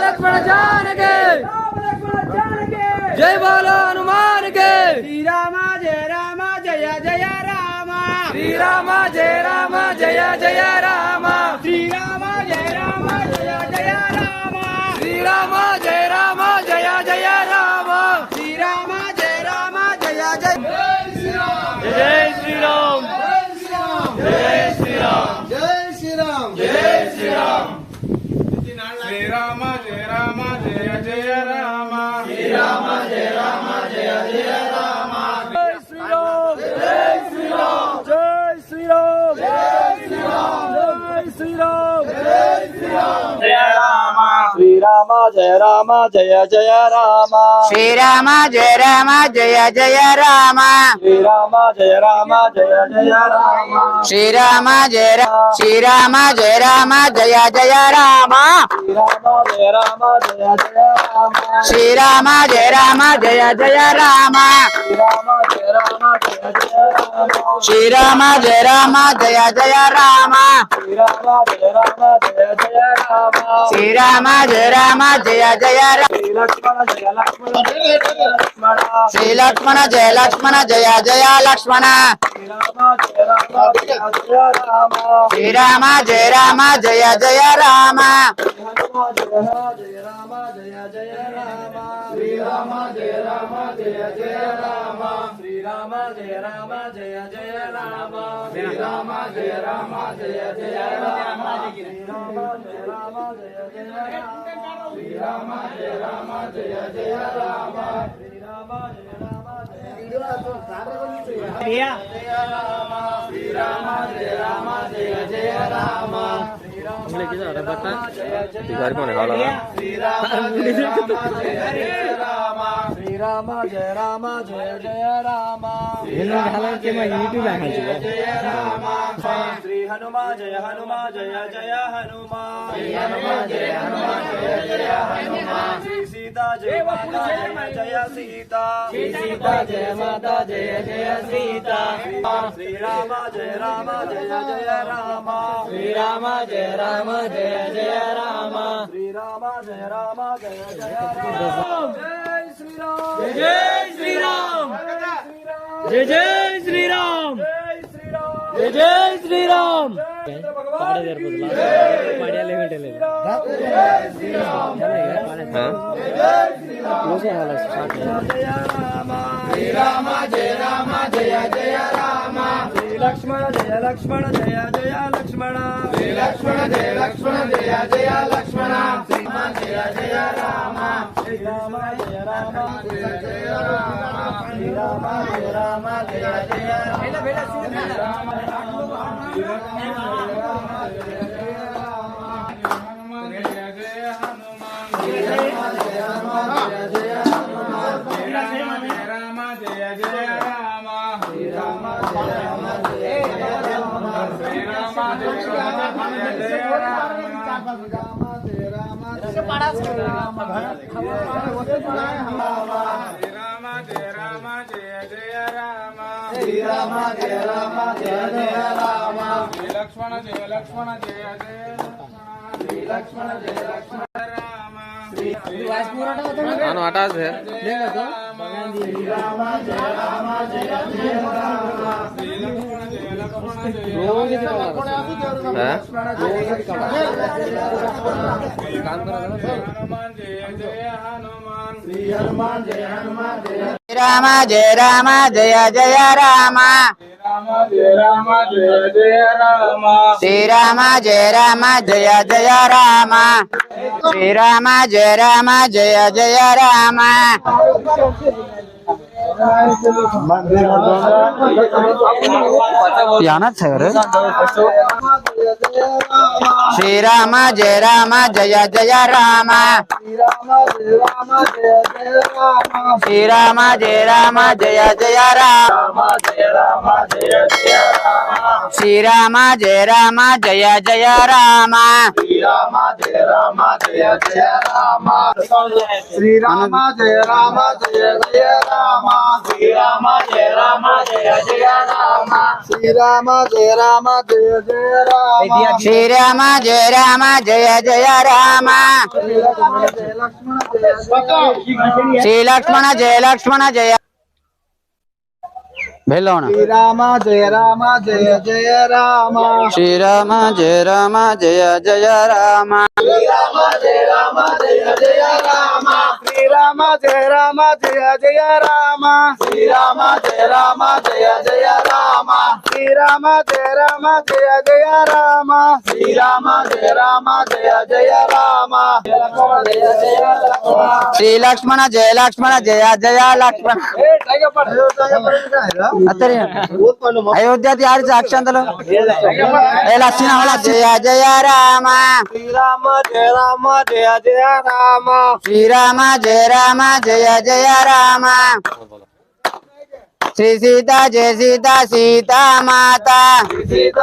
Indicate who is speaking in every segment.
Speaker 1: लक्ष्मण जान के जय बोलो हनुमान के।
Speaker 2: श्री राम जय जय राम।
Speaker 1: श्री राम जय जय जय राम।
Speaker 2: श्री राम जय जय राम।
Speaker 1: श्री राम जय जय जय राम।
Speaker 2: श्री राम जय जय
Speaker 1: जय श्री राम जय श्री राम
Speaker 2: जय श्री राम
Speaker 1: जय श्री राम।
Speaker 3: श्री राम जय जय राम।
Speaker 1: श्री राम जय जय राम। जय श्री राम जय श्री राम जय श्री राम जय श्री राम जय श्री राम जय श्री राम।
Speaker 3: जय राम
Speaker 1: श्री राम जय जय राम।
Speaker 2: श्री राम जय जय राम।
Speaker 1: श्री राम जय जय जय राम।
Speaker 2: श्री राम जय जय जय राम।
Speaker 1: श्री राम जय जय जय राम।
Speaker 2: श्री राम जय जय जय राम।
Speaker 1: श्री राम जय जय जय राम।
Speaker 2: श्री लक्ष्मण जय जय लक्ष्मण। श्री राम जय जय राम।
Speaker 1: श्री राम जय जय राम। श्री हनुमान जय जय हनुमान। श्री सीता जय जय सीता। श्री सीता जय माता जय सीता। श्री राम जय जय राम। श्री राम जय जय राम। श्री राम जय जय राम। जय श्री राम जय जय श्री राम जय जय श्री राम। लक्ष्मण जय जय लक्ष्मण। श्री लक्ष्मण जय जय लक्ष्मण। श्री राम जय राम। श्री राम जय जय राम। श्री राम जय जय
Speaker 3: लक्ष्मण जय राम।
Speaker 1: हटा से
Speaker 3: हनुमान जय हनुमान जय
Speaker 2: राम जय जय राम।
Speaker 3: जय जय राम।
Speaker 2: श्री राम जय जय राम। श्री राम जय जय राम। याना है रे। श्री राम जय जय राम। श्री राम जय जय राम। श्री राम जय जय राम।
Speaker 3: श्री राम जय जय राम। श्री राम जय जय राम। श्री राम जय जय राम।
Speaker 2: श्री राम जय राम जय जय राम श्री लक्ष्मण जय भेलो ना
Speaker 3: श्री राम जय जय राम
Speaker 2: श्री राम जय जय राम
Speaker 3: श्री राम जय जय राम श्री राम जय जय राम श्री राम जय जय राम श्री राम जय जय राम श्री राम जय जय राम
Speaker 2: श्री लक्ष्मण जय जय लक्ष्मण अयोध्या यार अक्षंतलो लक्ष्मण जय जय राम
Speaker 3: श्री राम जय जय राम
Speaker 2: श्री राम जय जय राम श्री सीता जय सीता माता
Speaker 3: सीता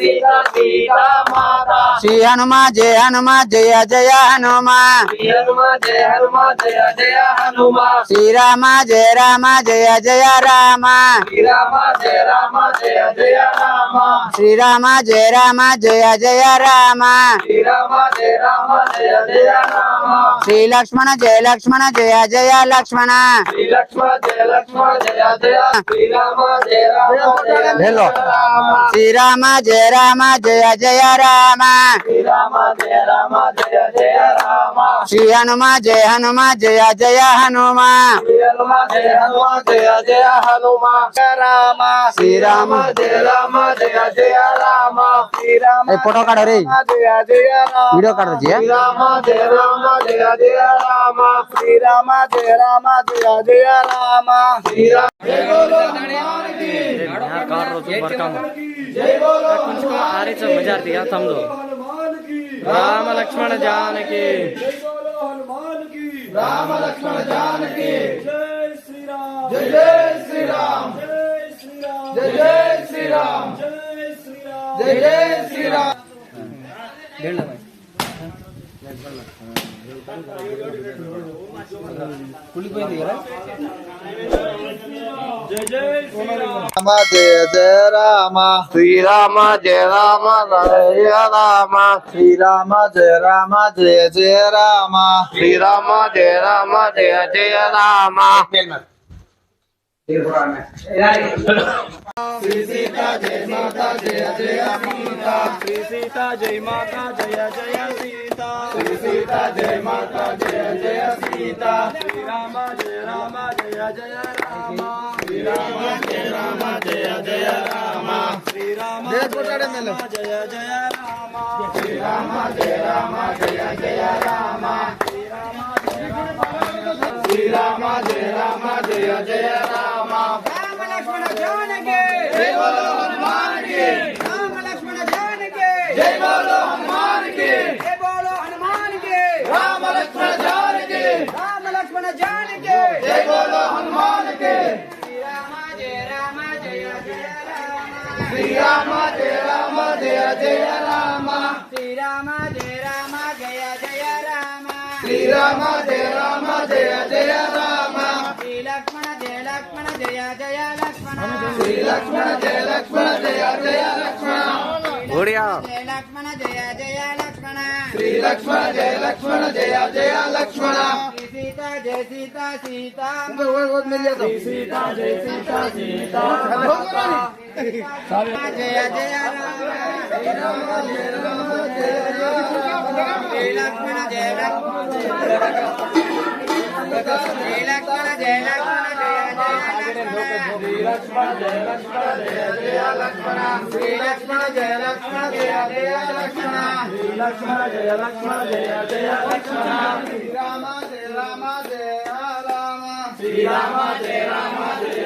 Speaker 3: माता
Speaker 2: श्री हनुमान जय जय हनुमान
Speaker 3: श्री हनुमान जय हनुमान
Speaker 2: श्री राम जय जय राम
Speaker 3: श्री राम जय जय राम
Speaker 2: श्री राम जय जय राम
Speaker 3: श्री राम जय जय राम
Speaker 2: श्री लक्ष्मण जय जय लक्ष्मण
Speaker 3: श्री लक्ष्मण जय जय श्री राम जय
Speaker 2: हेलो श्री राम जय जय राम
Speaker 3: श्री राम जय जय राम
Speaker 2: श्री हनुमान जय जय हनुमान
Speaker 3: श्री हनुमान जय जय हनुमान राम
Speaker 2: श्री राम
Speaker 3: जय जय राम श्री राम
Speaker 2: फोटो काढ रे
Speaker 3: जय जय राम
Speaker 2: वीडियो काढ जी
Speaker 3: श्री राम जय जय राम श्री राम जय जय राम श्री राम
Speaker 1: राम लक्ष्मण जानकी
Speaker 3: राम लक्ष्मण जानकी
Speaker 1: जय श्री राम
Speaker 3: जय श्री राम
Speaker 1: जय श्री राम
Speaker 3: जय श्री राम
Speaker 1: जय श्री राम
Speaker 3: राम जय जय राम श्री राम जय जय राम श्री राम जय जय राम श्री राम जय जय राम श्री सीता जय माता जय जय सीता
Speaker 1: श्री सीता जय माता जय जय सीता
Speaker 3: श्री सीता जय माता जय जय सीता
Speaker 1: श्री राम जय जय राम
Speaker 3: श्री राम जय जय राम
Speaker 1: श्री राम
Speaker 3: जय कोटाड़े मेले
Speaker 1: जय जय राम
Speaker 3: श्री राम जय जय राम श्री राम जय जय राम
Speaker 4: राम लक्ष्मण जानकी
Speaker 3: जय बोलो हनुमान की
Speaker 4: राम लक्ष्मण जानकी
Speaker 3: जय बोलो हनुमान की
Speaker 4: जय बोलो हनुमान की
Speaker 3: राम लक्ष्मण जानकी
Speaker 4: राम लक्ष्मण जानकी
Speaker 3: जय बोलो हनुमान की
Speaker 4: श्री राम जय जय राम
Speaker 3: श्री राम जय जय राम
Speaker 4: श्री राम जय जय राम
Speaker 3: श्री राम जय जय राम
Speaker 4: श्री लक्ष्मण जय जय लक्ष्मण
Speaker 3: श्री लक्ष्मण जय जय लक्ष्मण
Speaker 2: बढ़िया
Speaker 4: जय लक्ष्मण जय लक्ष्मण
Speaker 3: श्री लक्ष्मण जय जय लक्ष्मण
Speaker 4: श्री सीता जय सीता
Speaker 3: श्री
Speaker 1: सीता जय सीता
Speaker 4: जय जय राम श्री लक्ष्मण जय लक्ष्मण श्री लक्ष्मण जय
Speaker 3: लक्ष्मण जय जय लक्ष्मण श्री लक्ष्मण जय जय लक्ष्मण
Speaker 1: श्री लक्ष्मण जय जय लक्ष्मण
Speaker 3: श्री राम जय राम
Speaker 1: श्री राम जय जय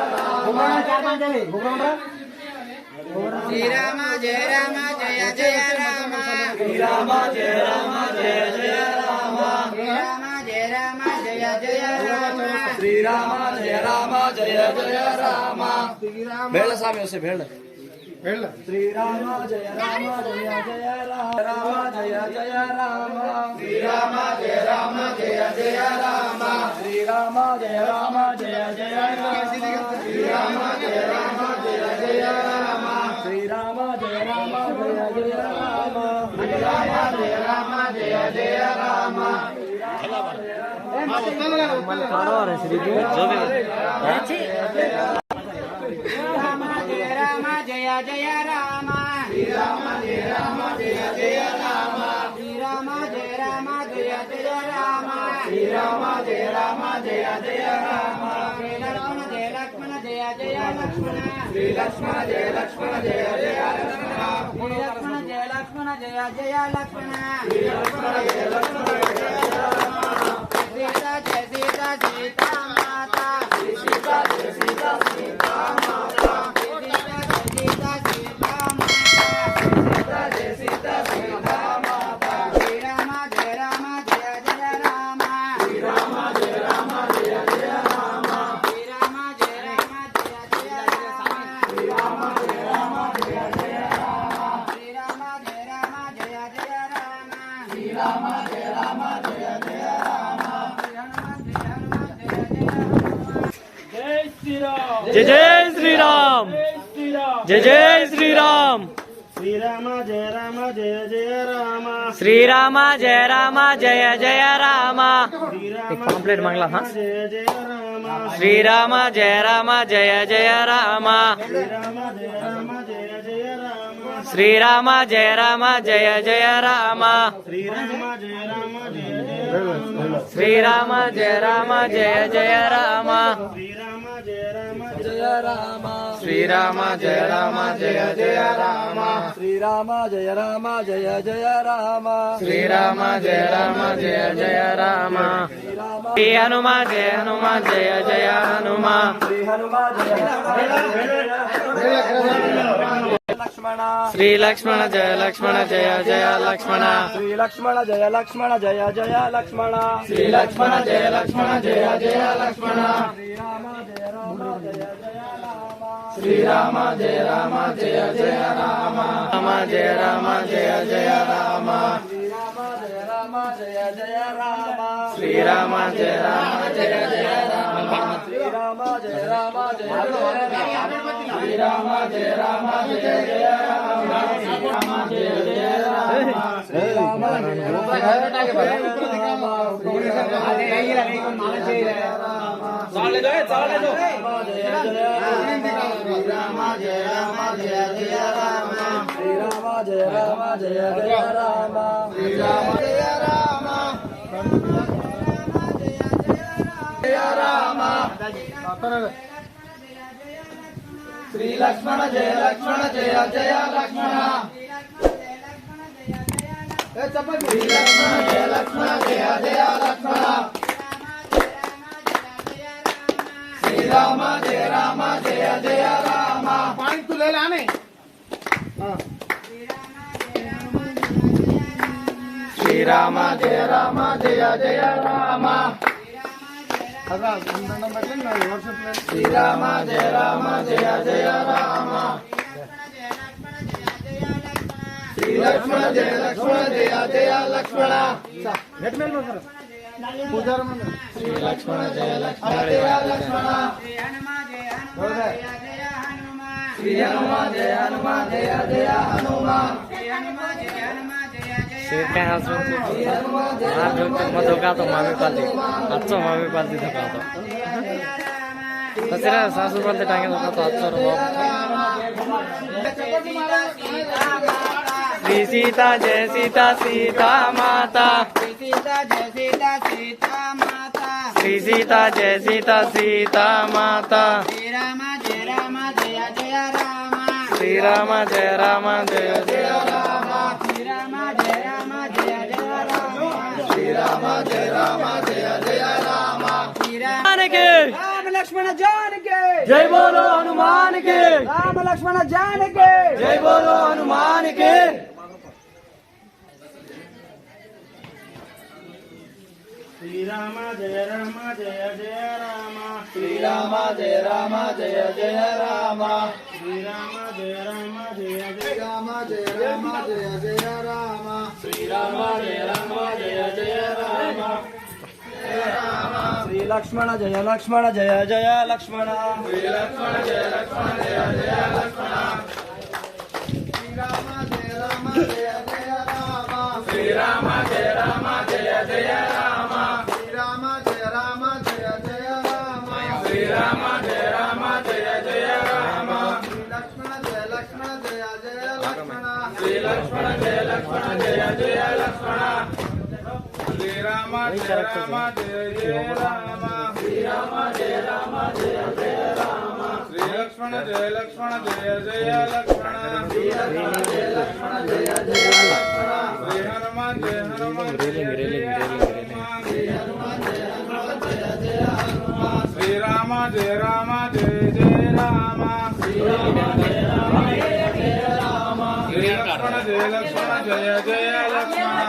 Speaker 4: श्री राम जय जय राम
Speaker 1: श्री राम जय जय राम
Speaker 4: श्री राम जय जय राम
Speaker 1: श्री राम जय जय राम भेड़ स्वामी उसे भेड़ श्री राम जय जय राम राम जय जय राम
Speaker 3: श्री राम जय जय राम
Speaker 1: श्री राम जय जय राम
Speaker 3: श्री राम जय जय राम
Speaker 1: श्री राम जय जय राम
Speaker 4: जय जय राम श्री राम जय राम जय जय राम श्री राम जय राम जय जय राम श्री राम जय राम जय जय राम श्री लक्ष्मण जय लक्ष्मण जय जय लक्ष्मण श्री लक्ष्मण जय लक्ष्मण जय जय लक्ष्मण श्री लक्ष्मण जय लक्ष्मण जय जय लक्ष्मण श्री लक्ष्मण जय लक्ष्मण जय सीता जय सीता सीता माता सीता जय सीता सीता माता सीता सीता माता जय सीता सीता माता श्री राम जय जय राम श्री राम जय जय राम श्री राम जय जय राम श्री राम जय जय राम श्री राम जय जय राम श्री राम जय जय राम
Speaker 1: जय जय श्री राम जय जय श्री राम
Speaker 3: श्री राम जय जय राम
Speaker 1: श्री राम जय जय राम
Speaker 3: एक
Speaker 1: पॉम्पलेट मांगला हाँ
Speaker 3: जय जय राम
Speaker 1: श्री राम जय जय राम
Speaker 3: श्री राम जय जय राम
Speaker 1: श्री राम जय
Speaker 3: श्री राम जय जय राम
Speaker 1: श्री राम
Speaker 3: श्री राम जय जय राम
Speaker 1: श्री राम जय जय राम
Speaker 3: श्री राम जय जय राम
Speaker 1: श्री
Speaker 3: हनुमान जय जय हनुमान
Speaker 1: श्री हनुमान जय लक्ष्मण
Speaker 3: श्री लक्ष्मण जय जय लक्ष्मण
Speaker 1: श्री लक्ष्मण जय जय लक्ष्मण
Speaker 3: श्री लक्ष्मण जय जय लक्ष्मण
Speaker 1: श्री राम जय जय राम
Speaker 3: राम जय जय राम
Speaker 1: श्री राम जय जय राम
Speaker 3: श्री राम जय
Speaker 1: श्री राम जय जय राम श्री राम जय राम श्री लक्ष्मण जय जय लक्ष्मण श्री लक्ष्मण जय जय लक्ष्मण श्री राम जय जय राम
Speaker 3: पानी तू ले लाने
Speaker 1: श्री राम जय जय राम श्री राम जय जय राम श्री लक्ष्मण जय जय लक्ष्मण श्री लक्ष्मण जय जय लक्ष्मण श्री हनुमान जय जय हनुमान
Speaker 2: मम्मी पालती धोका तसेरा सासू पालते टांगे धोका तो श्री सीता जय सीता माता
Speaker 4: सीता जय सीता माता
Speaker 2: श्री सीता जय सीता माता
Speaker 4: श्री राम जय जय राम
Speaker 2: श्री राम जय जय
Speaker 4: राम श्री राम जय जय राम
Speaker 1: श्री राम जय जय राम
Speaker 4: श्री राम
Speaker 2: के
Speaker 4: राम लक्ष्मण जान के
Speaker 2: जय बोलो हनुमान के
Speaker 4: राम लक्ष्मण जान के
Speaker 2: जय बोलो हनुमान के
Speaker 3: श्री राम जय जय राम
Speaker 1: श्री राम जय जय राम
Speaker 3: श्री राम जय जय
Speaker 1: राम जय जय राम श्री राम जय जय राम
Speaker 2: श्री लक्ष्मण जय जय लक्ष्मण
Speaker 1: श्री लक्ष्मण जय जय लक्ष्मण
Speaker 3: श्री राम जय जय राम
Speaker 1: श्री राम जय जय राम जय लक्ष्मण श्री राम जय राम जय जय राम श्री राम जय राम जय जय राम श्री लक्ष्मण जय लक्ष्मण जय जय लक्ष्मण श्री लक्ष्मण जय लक्ष्मण जय जय लक्ष्मण श्री हनुमान जय हनुमान जय जय हनुमान श्री हनुमान जय हनुमान जय जय हनुमान श्री राम जय राम जय जय राम श्री राम जय राम जय जय राम श्री लक्ष्मण जय लक्ष्मण जय जय लक्ष्मण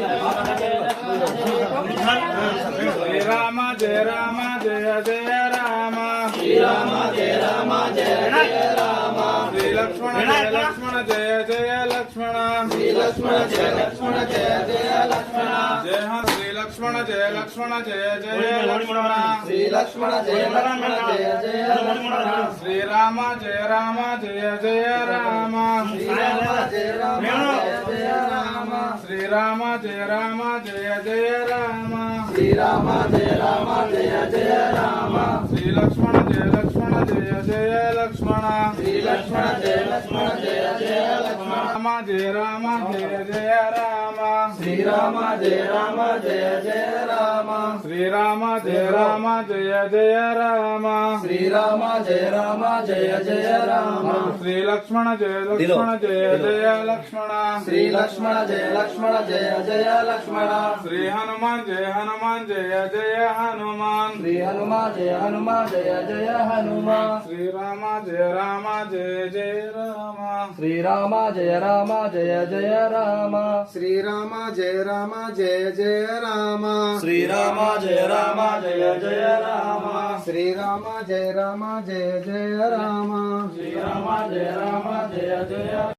Speaker 1: श्री राम जय राम जय जय राम श्री राम जय राम जय जय राम श्री लक्ष्मण जय लक्ष्मण जय जय लक्ष्मण श्री लक्ष्मण जय लक्ष्मण जय जय लक्ष्मण जय श्री लक्ष्मण जय लक्ष्मण जय जय लक्ष्मण श्री लक्ष्मण जय लक्ष्मण जय जय लक्ष्मण श्री राम जय राम जय जय राम श्री राम जय राम जय जय राम श्री राम जय राम जय जय राम श्री राम जय राम जय जय राम श्री लक्ष्मण जय लक्ष्मण जय जय लक्ष्मण श्री लक्ष्मण जय लक्ष्मण जय जय लक्ष्मण राम जय जय राम श्री राम जय राम जय जय राम श्री राम जय राम जय जय राम श्री राम जय राम जय जय राम श्री लक्ष्मण जय लक्ष्मण जय जय लक्ष्मण श्री लक्ष्मण जय लक्ष्मण जय जय लक्ष्मण श्री हनुमान जय जय हनुमान श्री हनुमान जय जय हनुमान श्री राम जय जय राम श्री राम जय जय राम श्री राम जय जय राम श्री राम जय जय राम श्री राम जय जय राम श्री राम जय जय